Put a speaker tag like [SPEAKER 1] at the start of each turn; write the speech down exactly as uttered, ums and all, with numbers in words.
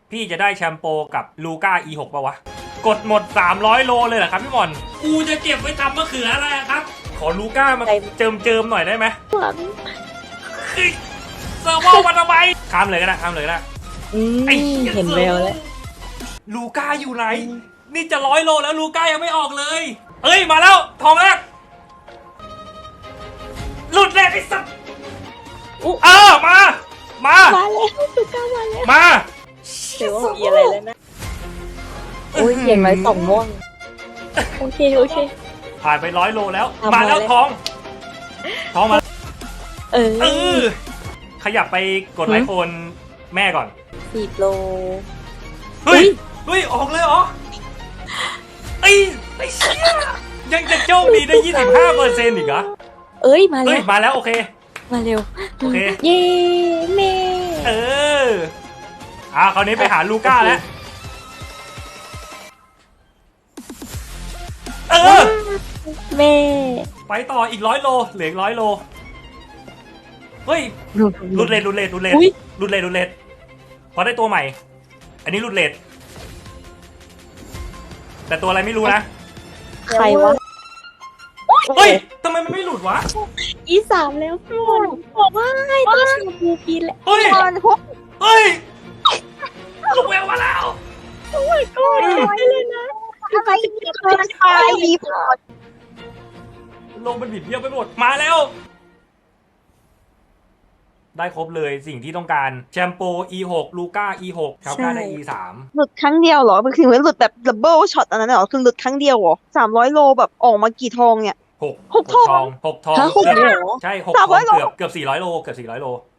[SPEAKER 1] พี่จะได้แชมโปกับลูก้า อี หก ป่าวะกดหมดสามร้อยโลเลยเหรอครับพี่หมอนกูจะเก็บไว้ทำมะเขืออะไรครับขอลูก้ามาเจิมเจิมหน่อยได้ไหมเซอร์โวมาทำไมข้ามเลยก็ได้ข้ามเลยก็ได้
[SPEAKER 2] เห็นแววแล้ว
[SPEAKER 1] ลูก้าอยู่ไหนนี่จะร้อยโลแล้วลูก้ายังไม่ออกเลยเอ้ยมาแล้วทองแรกหลุดเลยไอ้สัสเออมามา
[SPEAKER 2] มาแล้วลูก้ามาแล้ว
[SPEAKER 1] มา
[SPEAKER 2] เดี๋ยวมีอะไรแล้วนะโอ้ยเห็นไหมสองม่วงโอเคโอเค
[SPEAKER 1] ผ่านไปร้อยโลแล้วมาแล้วทองทองมา
[SPEAKER 2] เออเออ
[SPEAKER 1] ขยับไปกดไลค์โฟนแม่ก่อน
[SPEAKER 2] สิบโล
[SPEAKER 1] เฮ้ยเฮ้ยออกเลยเหรอไอ้ไอ้เชี่ยยังจะโชคดีได้ ยี่สิบห้าเปอร์เซ็นต์ อีกเหรอ
[SPEAKER 2] เอ้ยมาแล้ว
[SPEAKER 1] มาแล้วโอเค
[SPEAKER 2] มาเร็ว
[SPEAKER 1] โอเค
[SPEAKER 2] เย้แม่
[SPEAKER 1] เอออ่าคราวนี้ไปหาลูก้าแล้วเออ
[SPEAKER 2] แม่
[SPEAKER 1] ไปต่ออีกร้อยโลเหลืออีกร้อยโลเฮ้ยรุดเลดรุดเลดรุดเลดรุดเลดรุดเลดพอได้ตัวใหม่อันนี้รุดเลดแต่ตัวอะไรไม่รู้นะ
[SPEAKER 2] ใครวะ
[SPEAKER 1] เฮ้ยทำไมมันไม่หลุดวะ
[SPEAKER 2] อีสามแล้วพี่บอลบอกว่าให้ตัวชมพูกินแหละ
[SPEAKER 1] เฮ้ยเฮ้ยลูกแววมาแล้ว
[SPEAKER 2] โอ้ยก็ไม่เลยนะทำไมถึงเคยตายรีพอร์ต
[SPEAKER 1] โลกมันบิดเบี้ยวไปหมดมาแล้วได้ครบเลยสิ่งที่ต้องการแชมโป อี หก ลูก้า อี หก คาก้าได้ อี สาม
[SPEAKER 3] หลุดครั้งเดียวเหรอมันคือหลุดแบบดับเบิลช็อตอันนั้นเหรอคือหลุดครั้งเดียวเหรอสามร้อยโลแบบออกมากี่ทองเนี่ย
[SPEAKER 1] หก
[SPEAKER 3] หกทอง
[SPEAKER 1] หกทอง
[SPEAKER 3] หกทอง
[SPEAKER 1] ใช่หกทองเกือบเกือบสี่ร้อยโลเกือบสี่ร้อยโล